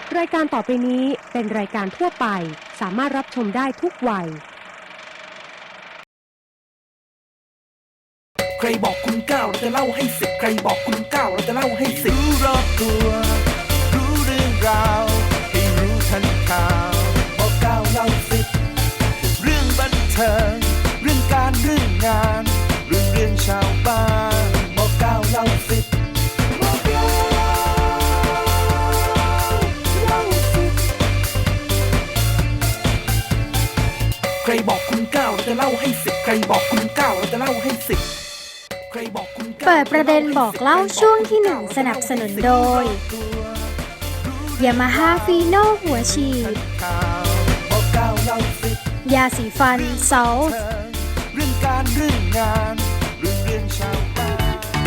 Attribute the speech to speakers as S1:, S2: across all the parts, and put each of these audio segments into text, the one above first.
S1: รายการต่อไปนี้เป็นรายการทั่วไปสามารถรับชมได้ทุกวัย
S2: ใครบอกคุณ9เราจะเล่าให้10ใครบอกคุณ9เราจะเล่าให้10รู้รอบตัวรู้เรื่องราวให้รู้ทันข่าวบอก9เล่า10เรื่องบันเทิงเรื่องการเรื่องงานเรื่องชาวบ้านบอก9เล่า10บอก9เล่า10ใครบอกคุณ9เราจะเล่าให้10ใครบอกคุณ9เราจะเล่าให้10
S3: เปิดประเด็นบอกเล่าช่วงที่1สนับสนุนโดย Yamaha Fino หัวฉีดยาสีฟันซอล
S2: เรื่องการเรื่องงานเรื่องชาวบ้าน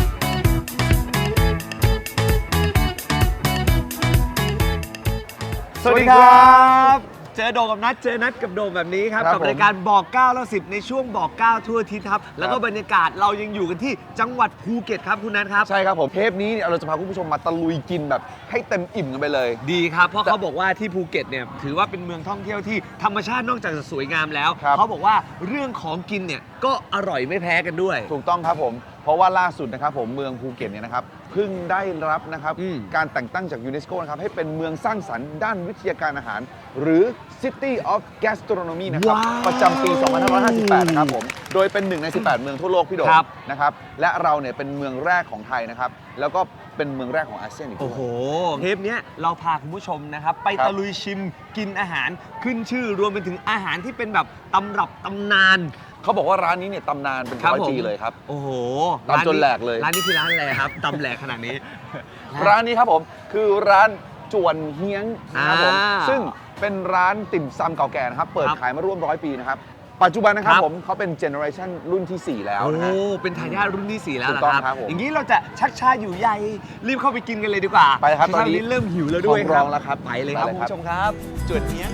S4: สวัสดีครับเจอโดมกับนัดเจอนัดกับโดมแบบนี้ครับกับรายการบอก9แล้ว10ในช่วงบอก9ทั่วอาทิตย์ครับแล้วก็บรรยากาศเรายังอยู่กันที่จังหวัดภูเก็ตครับคุณนัทครับ
S5: ใช่ครับผมเทปนี้เราจะพาคุณผู้ชมมาตะลุยกินแบบให้เต็มอิ่มกันไปเลย
S4: ดีครับเพราะเขาบอกว่าที่ภูเก็ตเนี่ยถือว่าเป็นเมืองท่องเที่ยวที่ธรรมชาตินอกจากจะสวยงามแล้วเขาบอกว่าเรื่องของกินเนี่ยก็อร่อยไม่แพ้กันด้วย
S5: ถูกต้องครับผมเพราะว่าล่าสุดนะครับผมเมืองภูเก็ตเนี่ยนะครับเพิ่งได้รับนะครับการแต่งตั้งจากยูเนสโกนะครับให้เป็นเมืองสร้างสรรค์ด้านวิทยาการอาหารหรือ City of Gastronomy นะครับประจำปี 2558 นะครับผมโดยเป็น1ใน18เมืองทั่วโลกพี่โดมนะครับและเราเนี่ยเป็นเมืองแรกของไทยนะครับแล้วก็เป็นเมืองแรกของอาเซียนอีกด้วย
S4: โอ้โหเทปนี้เราพาคุณผู้ชมนะครับไปตะลุยชิมกินอาหารขึ้นชื่อรวมไปถึงอาหารที่เป็นแบบตำรับตำนาน
S5: เขาบอกว่าร้านนี้เนี่ยตำนานเป็น100 ปีเลยครับ
S4: โอ้โห
S5: ตำจนแหลกเลย
S4: ร้านนี้คือร้านอะไรครับตำแหลกขนาดนี้
S5: ร้านนี้ครับผมคือร้านจวนเฮียงนะครับผมซึ่งเป็นร้านติ่มซำเก่าแก่นะครับเปิดขายมาร่วม100 ปีนะครับปัจจุบันนะครับผมเขาเป็นเจเนอเรชันรุ่นที่4แล้วนะฮะ
S4: โอ้เป็นทายาทรุ่นที่4แล้วนะครับอย่างนี้เราจะชักช้าอยู่ใยรีบเข้าไปกินกันเลยดีกว่า
S5: ไปครับตอน
S4: นี้เริ่มหิวแล้วด้วย
S5: ครับร้องแล้วครับ
S4: ไปเลยครับคุณผู้ชมครับจวนเฮียง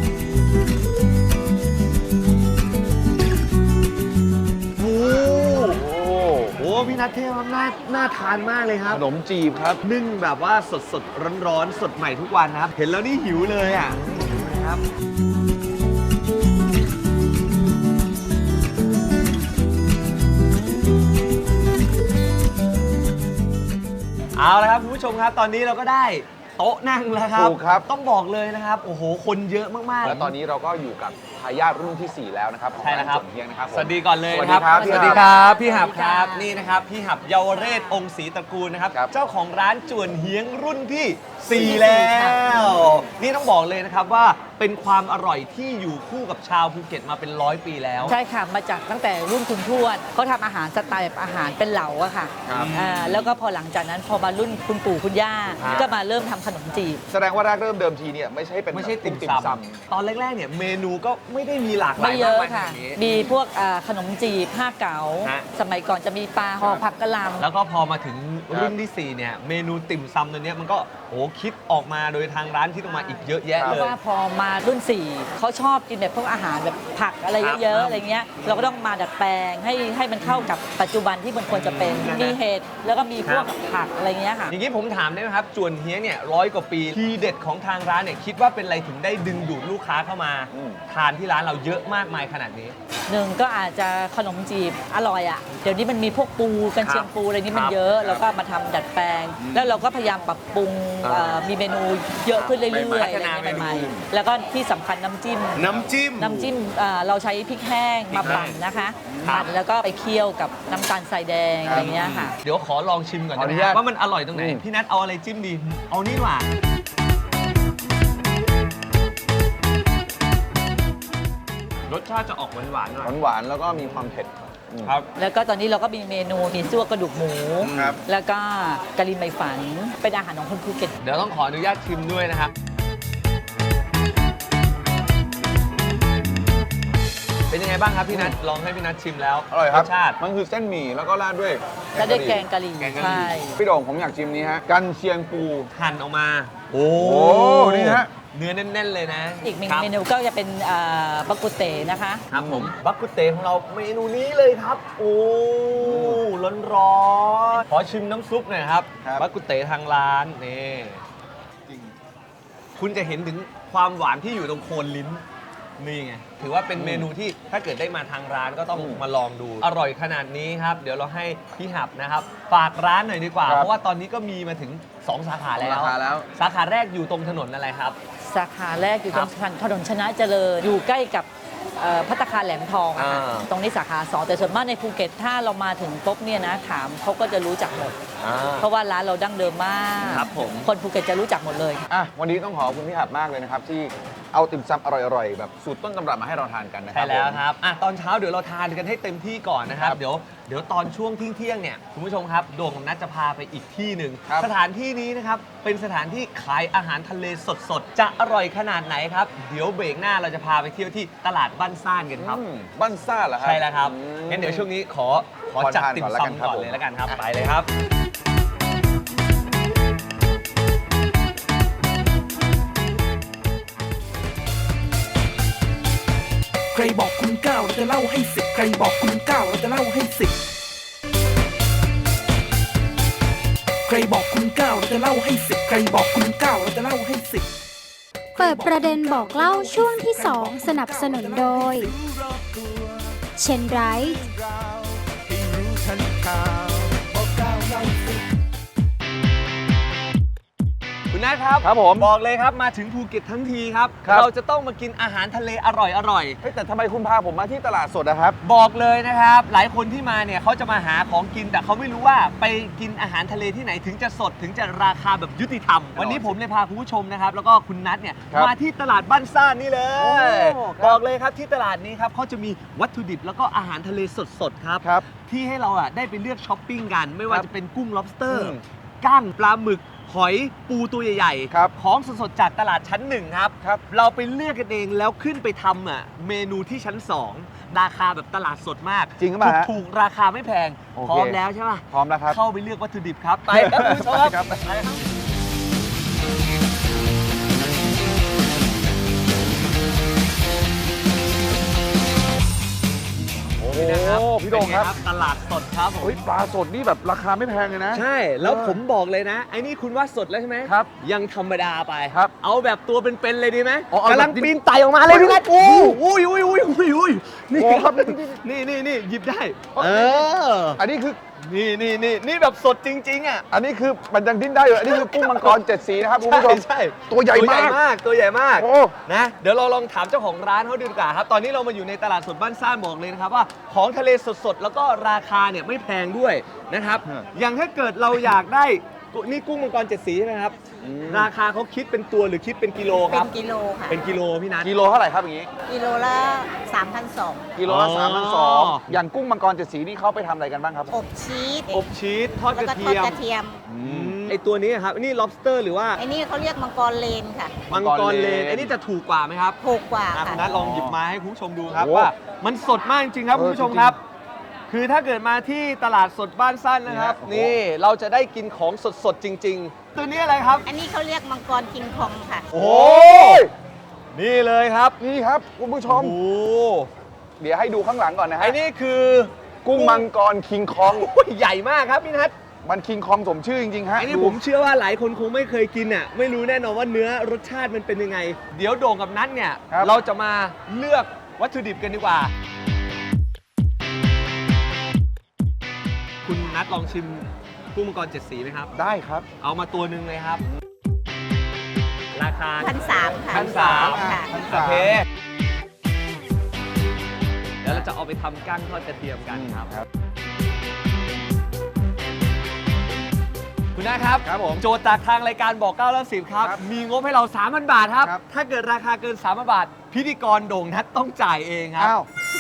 S4: โอ้พี่นัทเทพน่าทานมากเลยครับ
S5: ขนมจีบครับ
S4: นึ่งแบบว่าสดร้อนสดใหม่ทุกวันนะครับเห็นแล้วนี่หิวเลยอ่ะครับเอาละครับคุณผู้ชมครับตอนนี้เราก็ได้โต๊ะนั่งแล้วครับ
S5: ถูกครับ
S4: ต้องบอกเลยนะครับโอ้โหคนเยอะมากๆ
S5: และตอนนี้เราก็อยู่กับทายาทรุ่นที่4แล้วนะครับ
S4: ใช่แล้วครับ
S5: เฮียงนะครับ
S4: สวัสดีก่อนเลยครับ
S5: สวัสดีครับ
S4: พี่หับครับนี่นะครับพี่หับเยาวเรศองค์ศรีตระกูลนะครับเจ้าของร้านจวนเฮียงรุ่นที่4แล้วนี่ต้องบอกเลยนะครับว่าเป็นความอร่อยที่อยู่คู่กับชาวภูเก็ตมาเป็น100 ปีแล้ว
S6: ใช่ค่ะมาจากตั้งแต่รุ่นคุณทวดเขาทำอาหารสไตล์แบบอาหารเป็นเหลาอะค่ะแล้วก็พอหลังจากนั้นพอมารุ่นคุณปู่คุณย่าก็มาเริ่มทำขนมจีบ
S5: แสดงว่าแรกเริ่มเดิมทีเนี่ยไม่ใช่ติ่มซ
S4: ำตอนแรกๆเนี่ยเมนูก็ไม่ได้มีหลากหลาย
S6: ไม่เยอะค่ะมีพวกขนมจีบผ้าเก๋าสมัยก่อนจะมีปลาห่อผักกะหล่ำ
S4: แล้วก็พอมาถึงรุ่นที่4เนี่ยเมนูติ่มซำตัวนี้มันก็คิดออกมาโดยทางร้านที่ต้องมาอีกเยอะแยะเลย
S6: ว่าพอมารุ่น4เขาชอบกินแบบพวกอาหารแบบผักอะไรเยอะๆอะไรเงี้ยเราก็ต้องมาดัดแปลงให้มันเข้ากับปัจจุบันที่มันควรจะเป็นมีเห็ดแล้วก็มีพวกผักอะไรเงี้ยค่ะ
S4: อย่างนี้ผมถามได้ไหมครับจวนเฮียงเนี่ย100 กว่าปีทีเด็ดของทางร้านเนี่ยคิดว่าเป็นอะไรถึงได้ดึงดูดลูกค้าเข้ามาทานที่ร้านเราเยอะมากมายขนาดนี้
S6: 1ก็อาจจะขนมจีบอร่อยอ่ะเดี๋ยวนี้มันมีพวกปูกันเชียงปูอะไรนี้มันเยอะแล้วก็มาทำดัดแปลงแล้วเราก็พยายามปรับปรุงมีเมนูเยอะขึ้นเรื่อยๆอะไรใหม่ๆแล้วก็ที่สำคัญน้ำจิ้มเราใช้พริกแห้งมาปั่นนะคะปั่นแล้วก็ไปเคี่ยวกับน้ำตาลทรายแดงอะไรเงี้ยค่ะ
S4: เดี๋ยวขอลองชิมก่อนนะว่ามันอร่อยตรงไหนพี่นัทเอาอะไรจิ้มดีเอานี่หว่ารสชาติจะออกหวาน
S5: แล้วก็มีความเผ็ด
S4: ครับ
S6: แล้วก็ตอนนี้เราก็มีเมนูมีซั่วกระดูกหมูแล้วก็กะหรี่ไมฝันเป็นอาหารของคนภูเก็ต
S4: เดี๋ยวต้องขออนุญาตชิมด้วยนะครับเป็นยังไงบ้างครับพี่นัทลองให้พี่นัทชิมแล้ว
S5: อร่อยครับ
S4: รสชาติ
S5: มันคือเส้นหมี่แล้วก็ราดด้วย
S6: แกงกะหรี่ใช่
S5: พี่โด่งผมอยากชิมนี้ฮะกันเชียงปู
S4: หั่นออกมาโอ้
S5: นี่ฮะ
S4: เนื้อแน่นๆเลยนะ
S6: อีกเมนูก็จะเป็นบักกุเตนะคะ
S4: ครับผมบักกุเตของเราเมนูนี้เลยครับโอ้ร้อนขอชิมน้ำซุปหน่อยครับบักกุเตทางร้านนี่คุณจะเห็นถึงความหวานที่อยู่ตรงโคนลิ้นนี่ไงถือว่าเป็นเมนูที่ถ้าเกิดได้มาทางร้านก็ต้องมาลองดูอร่อยขนาดนี้ครับเดี๋ยวเราให้พี่หับนะครับฝากร้านหน่อยดีกว่า
S5: ครับ
S4: เพราะว่าตอนนี้ก็มีมาถึง 2 สาขาแล้ว
S5: สาขาแล้ว
S4: สาขาแรกอยู่ตรงถนนอะไรครับ
S6: สาขาแรกอยู่ตรง
S4: ครับ
S6: ถนนชนะเจริญอยู่ใกล้กับภัตตาคารแหลมทองอะค่ะ
S4: อ่า
S6: ตรงนี้สาขา 2 แต่ส่วนมากในภูเก็ตถ้าเรามาถึงปุ๊บเนี่ยนะถามเขาก็จะรู้จักหมด เพราะว่าร้านเราดั้งเดิมมาก
S4: ครับผม
S6: คนภูเก็ตจะรู้จักหมดเลย
S5: อ่ะวันนี้ต้องขอบคุณพี่หับมากเลยนะครับ ที่เอาติ่มซำอร่อยๆ แบบสูตรต้นตำรับมาให้เราทานกันนะครั
S4: ใช่
S5: บ
S4: แล้ว
S5: ผม
S4: ครับอ่ะตอนเช้าเดี๋ยวเราทานกันให้เต็มที่ก่อนนะครับ
S5: ครับ
S4: เดี๋ยวตอนช่วงเที่ยงๆเนี่ยคุณผู้ชมครับโด่งกับนัทจะพาไปอีกที่หนึ่ง
S5: ครับ
S4: สถานที่นี้นะครับเป็นสถานที่ขายอาหารทะเลสดๆจะอร่อยขนาดไหนครับเดี๋ยวเบรกหน้าเราจะพาไปเที่ยวที่ตลาดบ้านซ่านกันครับ
S5: บ้านซ่าเหรอครับ
S4: ใช่แล้วครับ
S5: อืม
S4: งั้นเดี๋ยวช่วงนี้ขอ
S5: ขอ
S4: จัด
S5: ทาน
S4: ติ่ม
S5: ก่อนแล้วกัน
S4: ซำ
S5: ครับ
S4: ก่อน
S5: ผม
S4: เลยแล้วกันครับ ไปเลยครับ
S2: ใครบอกคุณ9เราจะเล่าให้10ใครบอกคุณ9เราจะเล่าให้10ใครบอกคุณ9เราจะเล่าให้10ใครบอกคุณ9เราจะเล่าให้10
S3: เปิดประเด็นบอกเล่าช่วงที่ 2 สนับสนุนโดยเชนไรท์
S2: ให้รู้ทันข่าวบอก9เล่า10
S4: คุณนัทครับ
S5: ครับผม
S4: บอกเลยครับมาถึงภูเก็ตทั้งทีครับ
S5: ครับ
S4: เราจะต้องมากินอาหารทะเลอร่อย
S5: เฮ้ยแต่ทำไมคุณพาผมมาที่ตลาดสดนะครับ
S4: บอกเลยนะครับ หลายคนที่มาเนี่ยเขาจะมาหาของกินแต่เขาไม่รู้ว่าไปกินอาหารทะเลที่ไหนถึงจะสดถึงจะราคาแบบยุติธรรม วันนี้ผมเลยพาคุณผู้ชมนะครับ แล้วก็คุณนัทเนี่ย
S5: ครับ
S4: มาที่ตลาดบ้านซ่านนี่เลย
S5: โอ้ครับ
S4: บอกเลยครับที่ตลาดนี้ครับเขาจะมีวัตถุดิบแล้วก็อาหารทะเลสดๆครับ
S5: ครับ
S4: ที่ให้เราอ่ะได้ไปเลือกช้อปปิ้งกัน ไม่ว่า
S5: ครับ
S4: จะเป็นกุ้ง lobster
S5: อืม
S4: กั้งปลาหมึกหอยปูตัวใหญ่
S5: ครับ
S4: ของสดๆจากตลาดชั้นหนึ่งครับ
S5: ครับ
S4: เราไปเลือกกันเองแล้วขึ้นไปทำอ่ะเมนูที่ชั้น 2 ราคาแบบตลาดสดมาก
S5: จริงหรือเปล่าฮะ
S4: ถูกๆราคาไม่แพง
S5: โอเค
S4: พร้อมแล้วใช่ป่ะ
S5: พร้อมแล้วครับ
S4: เข้าไปเลือกวัตถุดิบครับ ไปครับคุณผู้ชม
S5: ครับ
S4: ไปครับโอ้
S5: โอ้
S4: นะครับ
S5: พี่โด่งครับ
S4: เป็นไตลาดสดครับผม
S5: เฮ้ยปลาสดนี่แบบราคาไม่แพงเลยนะ
S4: ใช่ แล้วผมบอกเลยนะไอ้นี่คุณว่าสดแล้วใช่ไหม
S5: ครับ
S4: ยังธรรมดาไป
S5: ครับ
S4: เอาแบบตัวเป็นๆเลยดีไหม
S5: อ๋อเอาแบบ
S4: กำลังปีนไต่ออกมาเลยพี่นัท
S5: โอ้
S4: อุ้ยนี่
S5: โอ้ครับ
S4: นี่หยิบได้
S5: โอ้
S4: เออ
S5: อันนี้คือ
S4: นี่แบบสดจริงๆอ่ะ
S5: อันนี้คือมันยังดิ้นได้อยู่ อันนี้คือกุ้งมังกร7 สีนะครับคุณผู้ชม
S4: ใช่
S5: ตัวใหญ่มาก
S4: ตัวใหญ่มาก
S5: โอ้
S4: นะ เดี๋ยวเราลองถามเจ้าของร้านเขาดูดีกว่าครับ ตอนนี้เรามาอยู่ในตลาดสดบ้านซ่านบอกเลยนะครับว่าของทะเลสดๆ แล้วก็ราคาเนี่ยไม่แพงด้วยนะครับ อย่างถ้าเกิดเราอยากได้นี่กุ้งมังกร7 สีใช่ไหมครับ ราคาเขาคิดเป็นตัวหรือคิดเป็นกิโลค
S7: เป็
S4: รับ
S7: นกิโลค่ะ
S4: เป็นกิโลพี่นัท
S5: กิโลเท่าไหร่ครับอย่างนี้
S7: กิโลละ 3,200
S5: กิโลละ
S4: อ๋อ
S5: 3,200อย่างกุ้งมังกร7 สีนี่เขาไปทำอะไรกันบ้างครับ
S7: อบชีส
S4: อบชีสทอด
S7: แล้
S4: ก
S7: ว
S4: ระ
S7: ก็ทอ
S4: เที
S7: ด
S4: ยม
S7: กระเทียม
S4: ไอตัวนี้ครับนี่ lobster หรือว่า
S7: ไอ้นี่เขาเรียกมังกรเลนค่ะ
S4: มังกรเลนไอ้นี่จะถูกกว่าไหมครับ
S7: ถูกกว่า
S4: อ่ะ
S7: ค่ะ
S4: คุณนัทลองหยิบมาให้คุณผู้ชมดูครับ
S5: โอ้
S4: ว่ามันสดมากจริงๆครับ
S5: เออ
S4: คุณผู้ชม
S5: จริงๆ
S4: ครับ คือถ้าเกิดมาที่ตลาดสดบ้านสั้นนะครับ
S5: นี่ฮะ
S4: นี่เราจะได้กินของสดๆจริง ๆ ตัวนี้อะไรครับ
S7: อันนี้เขาเรียกมังกรคิงคองค่ะ
S4: โอ้นี่เลยครับ
S5: นี่ครับคุณผู้ชม
S4: โอ้
S5: เดี๋ยวให้ดูข้างหลังก่อนนะฮะ
S4: ไอ้นี่คือ
S5: กุ้งมังกรคิงคอง
S4: โอ้ยใหญ่มากครับพี่นัท
S5: มันคิงคองสมชื่อจริงๆฮะ
S4: ไอ้นี่
S5: ดู
S4: ผมเชื่อว่าหลายคนคงไม่เคยกินอ่ะไม่รู้แน่นอนว่าเนื้อรสชาติมันเป็นยังไง เดี๋ยวโด่งกับนัทเนี่ย
S5: ครับ
S4: เราจะมาเลือกวัตถุดิบกันดีกว่า คุณนัทลองชิมกุ้งมังกร7 สีไหมครับ
S5: ได้ครับ
S4: เอามาตัวหนึ่งเลยครับ ราคา
S7: 1,300 ค่ะ
S4: 1,300
S7: ค่ะ
S4: โอเค เดี๋ยวเราจะเอาไปทำกั้งทอดกระเทียมกันครับ
S5: ครับ
S4: คุณนะครับ
S5: ครับผม
S4: โจทย์จากทางรายการบอก9แล้ว10ครับ
S5: ครับ
S4: มีงบให้เรา 3,000 บาทครับ
S5: ครับ
S4: ถ้าเกิดราคาเกิน 3,000 บาท พิธีกรโด่งนัทต้องจ่ายเองครับ
S5: อ้าว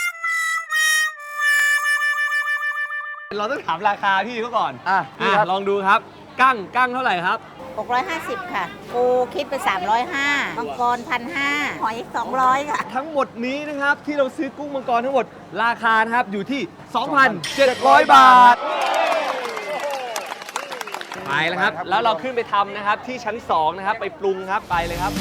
S4: เราต้องถามราคาพี่เขาก่อน
S5: อ่ะพี่ครับ
S4: ลองดูครับ กั้งเท่าไหร่ครับ
S7: 650 ค่ะ ปูคิดไป 305 มังกร 1,500 หอย 200 ค่ะ
S4: ทั้งหมดนี้นะครับที่เราซื้อกุ้งมังกรทั้งหมดราคานะครับอยู่ที่ 2,700 บาท ไปแล้วครับ
S5: ไปครับ
S4: แล้วเราขึ้นไปทำนะครับที่ชั้น 2 นะครับ ไปปรุงครับไปเลยครับ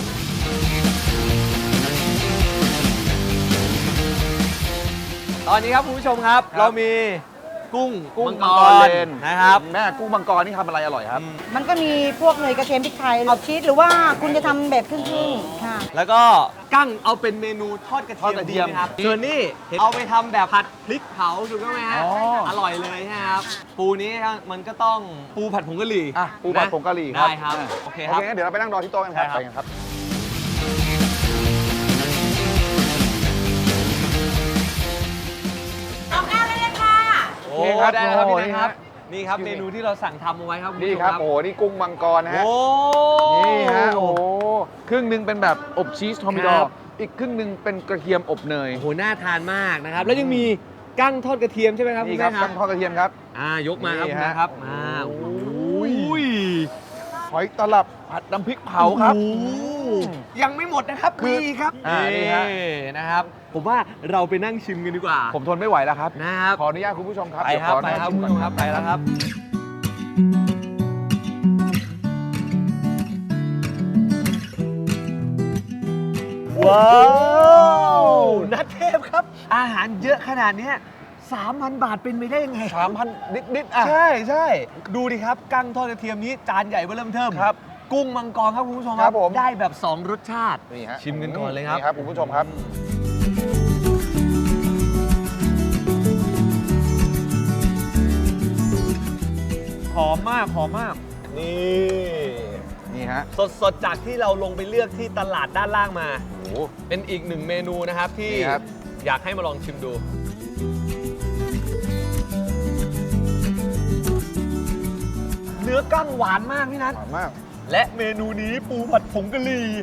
S4: ตอนนี้ครับคุณผู้ชมครับ เรามีกุ้ง
S5: กุ้ง
S4: มั
S5: มั
S4: ง
S5: ง
S4: ก
S5: ก
S4: ร
S5: รเลน
S4: นะครับ
S5: แม่กุ้งมังกรนี่ทำอะไรอร่อยครับ
S8: มันก็มีพวกเนยกระเทียมพริกไทยเอาชีสหรือว่าคุณจะทำแบบครึ่งๆค่ะ
S4: แล้วก็กั้งเอาเป็นเมนูทอดกระ
S5: ทอดกระเที
S4: เทีย
S5: ย
S4: ม
S5: ม
S4: ดีไหมครับส่วนนี้เอาไปทำแบบผัดพริกเผาถูกต้องไหมฮะ
S5: อ๋อ
S4: อร่อยเลยนะครับ ปูนี้มันก็ต้องปูผัดผงกะหรี่
S5: อ่ะปูผัด
S4: นะ
S5: ผงกะหรี่ครับ
S4: ได้ครับ
S5: อ่ะ
S4: โอเคครับ
S5: งั้นเดี๋ยวเราไปนั่งรอที่โต๊ะกันครับ
S4: ใช่ครับ
S5: ไปกันครับ
S4: โอ้
S5: โอเคครับ
S4: ได้แล้วครับ
S5: โอ้
S4: พี่นะครับ
S5: นี่ฮะ
S4: นี่ครับเมนูที่เราสั่งทำเอาไว้ครับณ
S5: นี่
S4: ผู้ชม
S5: ครับ โอ้โห นี่กุ้งมังกรนะฮะ
S4: โอ้
S5: นี่ฮะ โอ้โห ครึ่งหนึ่งเป็นแบบอบชีสทอมิดอ
S4: ครั
S5: ร์
S4: บ
S5: อีกครึ่งหนึ่งเป็นกระเทียมอบเนย
S4: โอ้โหน่าทานมากนะครับ แล้วยังมีกั้งทอดกระเทียมใช่ไหมครับ
S5: นี่
S4: ณ
S5: ครับ
S4: แม่
S5: กั้งทอดกระเทียมครับ
S4: ยกมาครับ
S5: นี่
S4: คุณ
S5: ฮะ
S4: นะครับ
S5: โอ้
S4: โอ้
S5: โห
S4: ย
S5: หอยตลับผัดน้ำพริกเผาครับ
S4: โอ้โหยังไม่หมดนะครับ
S5: คือ
S4: มีครับ
S5: นี่ฮะ
S4: นะครับ ผมว่าเราไปนั่งชิมกันดีกว่า
S5: ผมทนไม่ไหวแล้วครับ
S4: นะครับ
S5: ขออนุญาตคุณผู้ชมครับ
S4: ไป
S5: เดี๋ยว
S4: ครั
S5: ข
S4: บ
S5: อ
S4: ไปครับ
S5: นั่ง
S4: คุณ
S5: ชิม
S4: ผู้ชม
S5: ก่อน
S4: ครับไปแล้วครับ ว้าวนัทเทพครับ อาหารเยอะขนาดเนี้ย3,000 บาทเป็นไปได้ยังไง
S5: 3,000นิดๆอ่ะ
S4: ใช่ใช่ดูดิครับ กั้งทอดกระเทียมนี้จานใหญ่เบิ่มเทิม
S5: ครับ
S4: กุ้งมังกรครับคุณผู้ชม
S5: ครับผม
S4: ได้แบบ 2 รสชาติ
S5: นี่ฮะ
S4: ชิมกันก่อนเลยครับ
S5: นี่ครับคุณผู้ชมครับ
S4: หอมมากหอมมาก นี่
S5: นี่ฮะ
S4: สดๆ จากที่เราลงไปเลือกที่ตลาดด้านล่างมา
S5: โอ้โห
S4: เป็นอีกหนึ่งเมนูนะครับที่
S5: นี่ครับ
S4: อยากให้มาลองชิมดู เนื้อกั้งหวานมากพี่นัท
S5: หวานมาก
S4: และเมนูนี้ปูผัดผงกะหรี่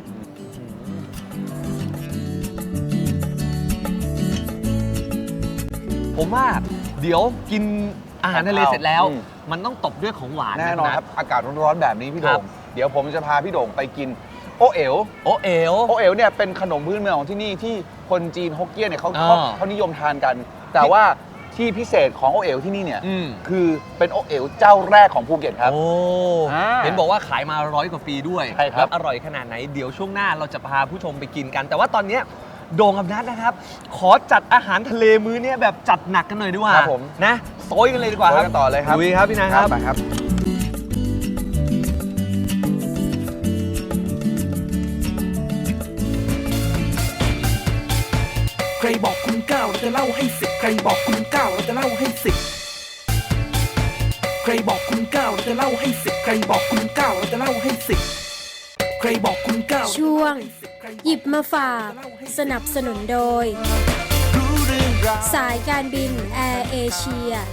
S4: ผมว่าเดี๋ยวกินอาหารทะเลเสร็จแล้ว
S5: อืม
S4: มันต้องตบด้วยของหวาน
S5: แน่นอนครับ อากาศร้อนๆแบบนี้พี่โด่
S4: ครั
S5: ง
S4: บ
S5: เดี๋ยวผมจะพาพี่โด่งไปกินโอเอ๋ว
S4: โอเอ๋ว
S5: โอเอ๋วเนี่ยเป็นขนมพื้นเมืองของที่นี่ที่คนจีนฮกเกี้ยนเนี่ยเขา
S4: อ่า
S5: เขานิยมทานกัน แต่ว่าที่พิเศษของโอเอ๋วที่นี่เนี่ย
S4: อืม
S5: คือเป็นโอเอ๋วเจ้าแรกของภูเก็ตครับ
S4: โอ้
S5: อ่า
S4: เห็นบอกว่าขายมา100 กว่าปีด้วย
S5: ใช่ครับ
S4: แล้วอร่อยขนาดไหน เดี๋ยวช่วงหน้าเราจะพาผู้ชมไปกินกัน แต่ว่าตอนเนี้ยโด่งกับนัทนะครับ ขอจัดอาหารทะเลมื้อเนี้ยแบบจัดหนักกันหน่อยดีกว่า
S5: ครับผม
S4: นะโซยกันเลยดีกว่าค
S5: ไป
S4: รับ
S5: กันต่อเลยครับ
S4: ลุยครับพี่นัทครับ
S5: ไปครับ
S2: ใครบอกคุณเก้าเราจะเล่าให้สิบใครบอกคุณเก้าเราจะเล่าให้สิบใครบอกคุณเก้าเราจะเล่าให้สิบใครบอกคุณเก้าเราจะเล่าให้สิบใครบอกคุณเก้า
S3: ช่วง หยิบมาฝาก สนับสนุนโดย
S2: รู้เรื่องราว
S3: สายการบินแอร์เอเชีย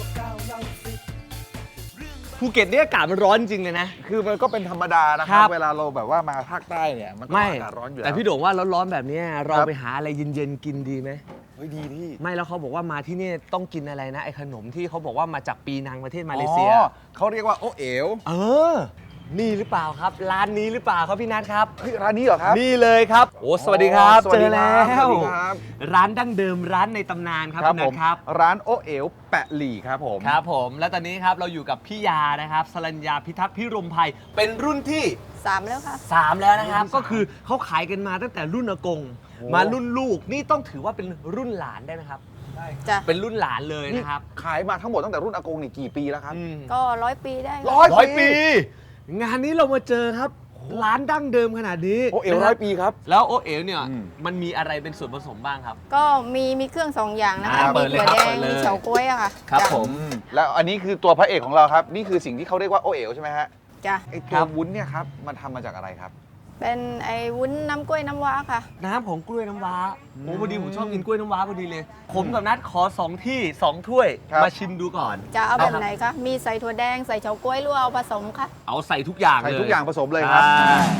S4: ภูเก็ตเนี่ยอากาศมันร้อนจริงเลยนะ
S5: คือมันก็เป็นธรรมดานะค
S4: ครั
S5: รับ
S4: บ
S5: เวลาเราแบบว่ามาภาคใต้เนี่ยมันก็
S4: ไม่
S5: อากาศร้อนอยู่แล้ว
S4: แต่พี่โด่งว่าร้อนๆแบบเนี้ยเรา
S5: ครับ
S4: ไปหาอะไรเย็นๆกินดีไหม
S5: เฮ้ยดีที่
S4: ไม่แล้วเขาบอกว่ามาที่นี่ต้องกินอะไรนะไอ้ขนมที่เขาบอกว่ามาจากปีนังประเทศมาเลเซีย
S5: อ๋อเขาเรียกว่าโอเอ๋ว
S4: เออ นี่หรือเปล่าครับ ร้านนี้หรือเปล่าครับพี่นัทครับ
S5: เฮ้ยร้านนี้เหรอครับ
S4: นี่เลยครับ โอ้สวัสดีครับ
S5: สวัส
S4: เจ
S5: ดี
S4: อ
S5: ครั
S4: แล้
S5: บ
S4: ว
S5: สวัสดีครับ
S4: ร้านดั้งเดิมร้านในตำนานครับพี่นั
S5: ผ
S4: ท
S5: ม
S4: ครับ
S5: ร้านโอเอ๋วแปะหลี่ครับผม
S4: ครับผมแล้วตอนนี้ครับเราอยู่กับพี่ยานะครับสรัญญาพิทักษ์พิรมภัยเป็นรุ่นที่
S7: 3 แล้วค่ะ
S4: 3 แล้วนะครับ ก็คือเขาขายกันมาตั้งแต่รุ่นอากง
S5: โอ้
S4: มารุ่นลูกนี่ต้องถือว่าเป็นรุ่นหลานได้ไหมครับ
S7: จ้ะ
S4: เป็นรุ่นหลานเลย
S5: นี่
S4: นะครับ
S5: ขายมาทั้งหมดตั้งแต่รุ่นอากงนี่กี่ปีแล้วครับ
S4: อืม
S7: ก็100 ปีได้ค่ะ
S4: ร้อยปี งานนี้เรามาเจอครับ ร้านดั้งเดิมขนาดนี้
S5: โอเอ๋ว
S4: นะค
S5: ร้
S4: บ
S5: อยปีครับ
S4: แล้วโอเอ๋วเนี่ย
S5: อืม
S4: มันมีอะไรเป็นส่วนผสมบ้างครับ
S7: ก็มีเครื่อง 2 อย่างนะคะ
S4: เปิ
S7: มี
S4: ดเลย
S7: ถั่ว
S4: ครับ
S7: แด
S4: เปิ
S7: ง
S4: ดเลย
S7: มีเฉาก๊วยอะค่ะ
S4: ครับ
S7: จ้ะ
S4: ผม
S5: แล้วอันนี้คือตัวพระเอกของเราครับ นี่คือสิ่งที่เขาเรียกว่าโอเอ๋วใช่ไหมฮะ
S7: จ้ะ
S5: ไอ
S4: ค
S5: ตั
S4: รั
S5: ว
S4: บ
S5: วุ้นเนี่ยครับมันทำมาจากอะไรครับ
S7: เป็นไอ้วุ้นน้ำกล้วยน้ำว้าค่ะ
S4: น้ำของกล้วยน้ำว้าโอ้พอดีผมชอบกินกล้วยน้ำว้าพอดีเลย ผมกับนัดขอ2 ที่ 2 ถ้วย
S5: ครับ
S4: มาชิมดูก่อน
S7: จะเอาแบบ
S4: ครับ
S7: ไหนคะ มีใส่ถั่วแดง ใส่เฉาก๊วยหรือเอาผสมคะ
S4: เอาใส่ทุกอย่าง
S5: ใส่
S4: เลย
S5: ทุกอย่างผสมเลยครับ
S4: ใช่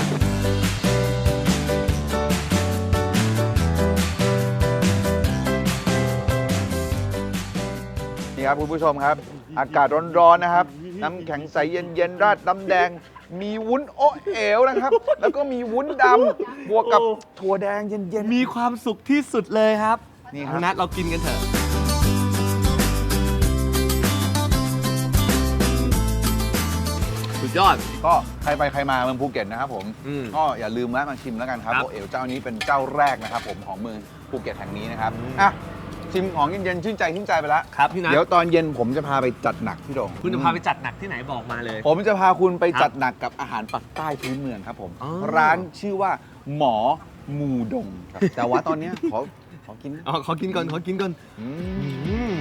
S5: นี่ครับคุณผู้ชมครับ อากาศร้อนๆนะครับ น้ำแข็งใสเย็นๆราดน้ำแดง มีวุ้นโอเอ๋วนะครับ แล้วก็มีวุ้นดำบวกกับถั่วแดงเย็น
S4: มีความสุขที่สุดเลยครับ
S5: นี่ครับ
S4: นัดเรากินกันเถอะ สุดยอด
S5: ๆก็ใครไปใครมาเมืองภูเก็ตนะครับผม
S4: อืม
S5: ก็อย่าลืมแวะมาชิมแล้วกันครับ
S4: ครับ
S5: โอเอ๋วเจ้านี้เป็นเจ้าแรกนะครับผมของเมืองภูเก็ตแห่งนี้นะครับ
S4: อืม
S5: อ่ะชิมของเย็นๆชื่นใจไปแล้ว
S4: ครับพี่นัท
S5: เดี๋ยวตอนเย็นผมจะพาไปจัดหนักพี่โดง
S4: คุณจะพาไปจัดหนักที่ไหนบอกมาเลย
S5: ผมจะพาคุณไปจัดหนักกับอาหารปักใต้พื้นเมืองครับผม
S4: อ๋อ
S5: ร้านชื่อว่าหมอมูดงครับแต่ว่าตอนเนี้ยขอกินนะ
S4: อ๋อขอกินก่อนขอกินก่อน
S5: อืม
S4: อืม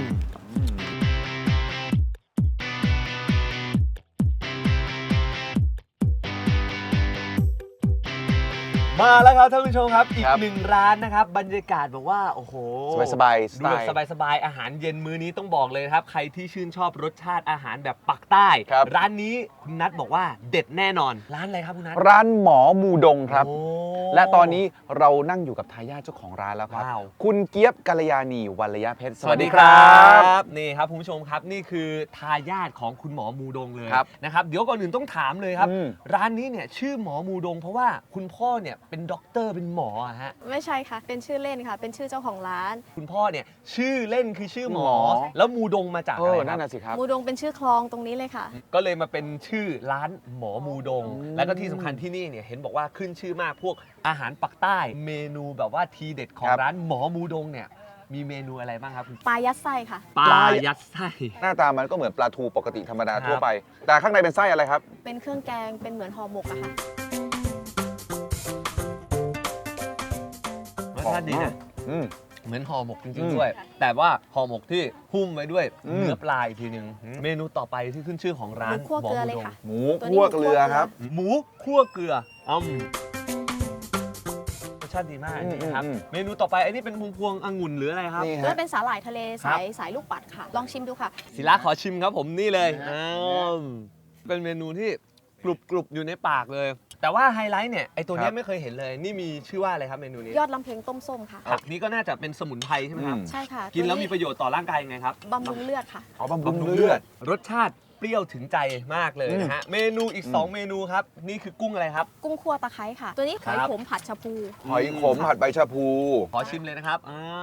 S4: มาแล้วครับท่านผู้ชมครับอีกหนึ่งร้านนะครับบรรยากาศแบบว่าโอ้โห
S5: สบายๆส
S4: ดู
S5: ไต
S4: แบบ
S5: ล์
S4: สบายๆอาหารเย็นมื้อนี้ต้องบอกเลยนะครับ ใครที่ชื่นชอบรสชาติอาหารแบบปักใต้
S5: ครับ
S4: ร้านนี้คุณนัทบอกว่าเด็ดแน่นอน ร้านอะไรครับคุณนัท
S5: ร้านหมอมูดงครับ
S4: โอ้
S5: และตอนนี้เรานั่งอยู่กับทายาทเจ้าของร้านแล้วครับ
S4: ว้าว
S5: คุณเกียบกัลยาณีวัลยเพชร
S4: สวัสดีครับนี่ครับคุณผู้ชมครับนี่คือทายาทของคุณหมอมูดงเลย
S5: ครับ
S4: นะครับเดี๋ยวก่อนอื่นต้องถามเลยครับ
S5: อืม
S4: ร้านนี้เนี่ยชื่อหมอมูดง เพราะว่าคุณพ่อเนี่ยเป็นด็อกเตอร์เป็นหมออะฮะ
S9: ไม่ใช่ค่ะ เป็นชื่อเล่นค่ะ เป็นชื่อเจ้าของร้าน
S4: คุณพ่อเนี่ยชื่อเล่นคือชื่อหมอ
S5: หมอ
S4: แล้วมูดงมาจาก
S5: เอ
S4: อะไร
S5: อ
S4: ค
S5: นั่
S4: รับ
S5: นน่ะสิครับ
S9: มูดงเป็นชื่อคลองตรงนี้เลยค่ะ
S4: ก็เลยมาเป็นชื่อร้านหมอมูดง
S5: อืม
S4: แล้วก็ที่สำคัญที่นี่เนี่ยเห็นบอกว่าขึ้นชื่อมากพวกอาหารปักใต้ เมนูแบบว่าทีเด็ดของ
S5: ครับ
S4: ร้านหมอมูดงเนี่ยมีเมนูอะไรบ้างครับคุณ
S9: ปลายัดไส้ค่ะ
S4: ปลายัดไส้
S5: หน้าตามันก็เหมือนปลาทูปกติธรรมดา
S4: ครับ
S5: ทั่วไป แต่ข้างในเป็นไส้อะไรครับ
S9: เป็นเครื่องแกง เป็นเหมือนห่อหมกอะค่ะ
S4: รสชาติดีนะ
S5: อืม
S4: เหมือนห่อหมกจ
S5: อื
S4: ริง
S5: ม
S4: ๆด้วย แต่ว่าห่อหมกที่หุ้มไว้ด้วย
S5: อืม
S4: เนื้อปลาอีกทีหนึงเมนูต่อไปที่ขึ้นชื่อของร้าน
S9: หมูคั่วเกลือเลยค่ะ
S5: หมู
S9: ตัวนี้
S5: คั่วเกลือครับ
S4: หมูคั่วเกลือรสชาติดีมากอันนี้ครับ
S5: อืม
S4: เมนูต่อไปอันนี้เป็นพวงองุ่นหรืออะไรครับ
S5: นี่
S9: ตัว
S5: ฮะ
S9: นั้นเป็นสาหร่ายทะเล
S4: ครั
S9: สา
S4: บ
S9: ยสายลูกปัดค่ะ ลองชิมดูค่ะ
S4: ศิลาขอชิมครับผมนี่เลยเป็นเมนูที่กรุบอยู่ในปากเลย แต่ว่าไฮไลท์เนี่ยไอตัวเนี้
S5: ครั
S4: ย
S5: บ
S4: ไม่เคยเห็นเลย นี่มีชื่อว่าอะไรครับเมนูนี้
S9: ยอดลำเพงต้มส้มค่ะ
S4: ผักนี้ก็น่าจะเป็นสมุนไพรใช่ไหมครับ
S9: ใช่ค่ะ
S4: กินแล้วมีประโยชน์ต่อร่างกายยังไงครับ
S9: บำรุงเลือดค่ะ
S5: อ๋อบำรุงเลือด
S4: รสชาติเปรี้ยวถึงใจมากเลยนะฮะ เมนูอีก 2 เมนูครับ นี่คือกุ้งอะไรครับ
S9: กุ้งคั่วตะไคร้ค่ะ ตัวนี้หอย
S4: ครับ
S9: ขมผัดชะพู
S5: หอยขมผัดใบชะพู
S4: ขอชิมเลยนะครับ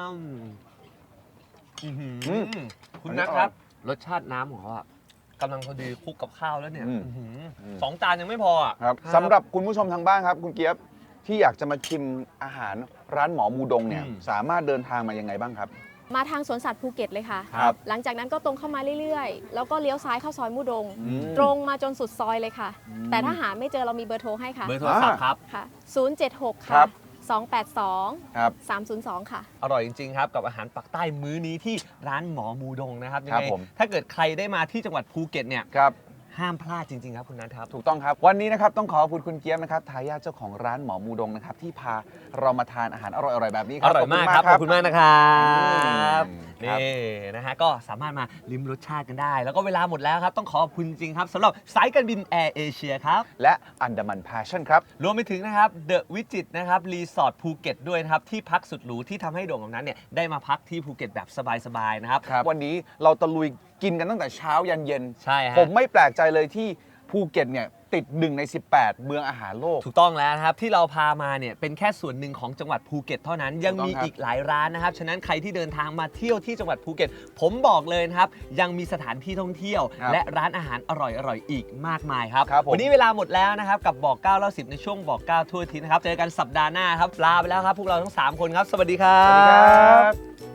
S4: อื้อหือ
S5: อืม
S4: คุณนัทครับ รสชาติน้ำของเขาอะกำลังพอดีคลุกกับข้าวแล้วเนี่ย
S5: อืม
S4: อื้อหือสองจานยังไม่พออะ
S5: ครับสำหรับคุณผู้ชมทางบ้านครับ คุณเกียบที่อยากจะมาชิมอาหารร้านหมอมูดงเนี่ยสามารถเดินทางมายังไงบ้างครับ
S9: มาทางสวนสัตว์ภูเก็ตเลยค่ะ
S5: ครับ
S9: หลังจากนั้นก็ตรงเข้ามาเรื่อยๆ แล้วก็เลี้ยวซ้ายเข้าซอยมูดง
S5: อืม
S9: ตรงมาจนสุดซอยเลยค่ะ
S5: อืม
S9: แต่ถ้าหาไม่เจอเรามีเบอร์โทรให้ค่ะ
S4: เบอร์โทรศัพท์ครับ
S9: ค่ะ 076
S5: ครั
S9: ค่ะ
S5: บ
S9: 282
S5: ครับ
S9: 302 ค่ะ
S4: อร่อยจริง ๆ ครับ กับอาหารปักใต้มื้อนี้ที่ร้านหมอมูดงนะครับยัง
S5: ครับ
S4: ไง
S5: ผม
S4: ถ้าเกิดใครได้มาที่จังหวัดภูเก็ตเนี่ย
S5: ครับ
S4: ห้ามพลาดจริง ๆ ครับคุณนัทครับ
S5: ถูกต้องครับ วันนี้นะครับต้องขอบคุณคุณเกียบนะครับทายาทเจ้าของร้านหมอมูดงนะครับที่พาเรามาทานอาหารอร่อยๆแบบนี้ค
S4: อ
S5: รับ
S4: ร่อยมาก
S5: ข
S4: ครับ ขอบคุณมากนะครับ
S5: ครับ
S4: นี่นะฮะก็สามารถมาลิ้มรสชาติกันได้ แล้วก็เวลาหมดแล้วครับ ต้องขอบคุณจริงครับสำหรับสายการบินแอร์เอเชียครับ
S5: และอันดามันแพชชั่นครับ
S4: รวมไปถึงนะครับเดอะวิจิตนะครับรีสอร์ทภูเก็ตด้วยนะครับ ที่พักสุดหรูที่ทำให้โด่งกับนั้นเนี่ยได้มาพักที่ภูเก็ตแบบสบายๆนะครับ
S5: วันนี้เราตะลุยกินกันตั้งแต่เช้ายันเย็น
S4: ใช่ฮะ
S5: ผมไม่แปลกใจเลยที่ภูเก็ตเนี่ยติด1 ใน 18 เมืองอาหารโลก
S4: ถูกต้องแล้วนะครับ ที่เราพามาเนี่ยเป็นแค่ส่วนหนึ่งของจังหวัดภูเก็ตเท่านั้นยังมี
S5: ถูกต้องครับ
S4: อีกหลายร้านนะครับ ฉะนั้นใครที่เดินทางมาเที่ยวที่จังหวัดภูเก็ต ผมบอกเลยนะครับ ยังมีสถานที่ท่องเที่ยว
S5: ครับ
S4: และร้านอาหารอร่อยๆอีกมากมายครับ
S5: ครับผม
S4: วันนี้เวลาหมดแล้วนะครับ กับบอก9เล่า10ในช่วงบอก9ทั่วอาทิศนะครับ เจอกันสัปดาห์หน้าครับลาไปแล้วครับพวกเราทั้ง 3 คนครับ สวัสดีครั
S5: สวัสดีครับ บ